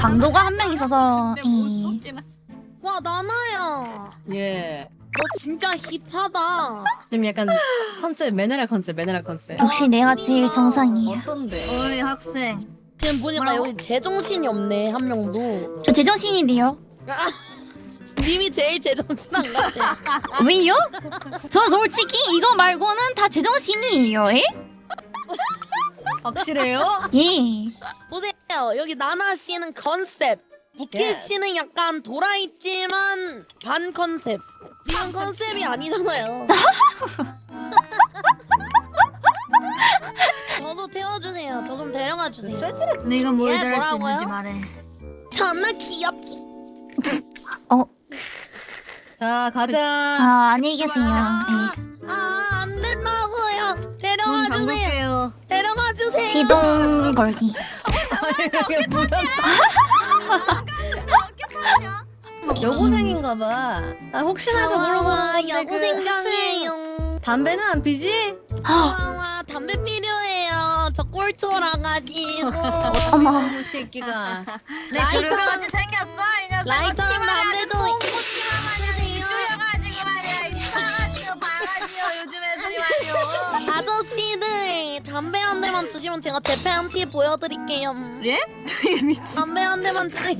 강도가 한 명 있어서. 와 나나야. 예. 너 진짜 힙하다. 지금 약간 컨셉 매너랄 컨셉. 역시 내가 제일 정상이야. 어떤데? 어이 학생. 지금 보니까 뭐라고? 여기 제정신이 없네 한 명도. 저 제정신인데요. 님이 제일 제정신 안 같아. 왜요? 저 솔직히 이거 말고는 다 제정신이에요. 에? 확실해요? 예. 보세요 여기 나나 씨는 컨셉. 부키 예. 씨는 약간 돌아있지만 반 컨셉. 지금 컨셉이 아니잖아요. 저도 태워주세요. 저 좀 데려가 주세요. 네가 뭘 예, 잘할 수 뭐라고요? 있는지 말해. 존나 귀엽기. 자 가자. 아 안녕히 계세요. 예. 안 된다고요. 문 데려가 주세요. 잠글게요. 데려가 주세요. 시동 걸기. 여고생인가봐. 아, 혹시나 해서 물어보는 건데 여고생장이에요. 담배는 안 피지? 와 담배 필요해요. 저 꼴초라 가지고. 어머. 이 새끼가. 내 라이터- 교류같이 생겼어 이 녀석. 라이터랑 담배도 쭈여가지고 말이야. 이상하지요 바가지요 요즘 애들이 말이요. 아저씨들 담배 한 대만 주시면 제가 제 팬티 보여드릴게요. 예? 미친. 담배 한 대만 주세요.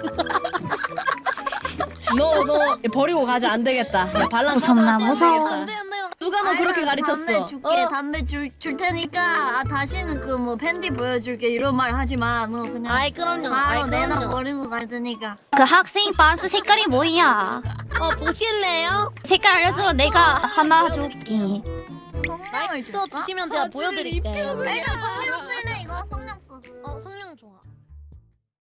너 버리고 가자. 안 되겠다. 야 발랑 무섭나, 안 무서워. 되겠다. 담배 한 대만. 누가 너 그렇게 가르쳤어? 담배 줄게. 어. 담배 줄 테니까 다시는 그 뭐 팬티 보여줄게 이런 말 하지 마. 너 그냥 아이 그럼요. 바로 아이 내놔 그럼요. 버리고 갈 테니까. 그 학생 반스 색깔이 뭐야? 보실래요? 색깔 알려줘. 내가 하나 줄게. 성명을 라이터 줄까? 주시면 제가 보여드릴게요. 일단 성명 쓸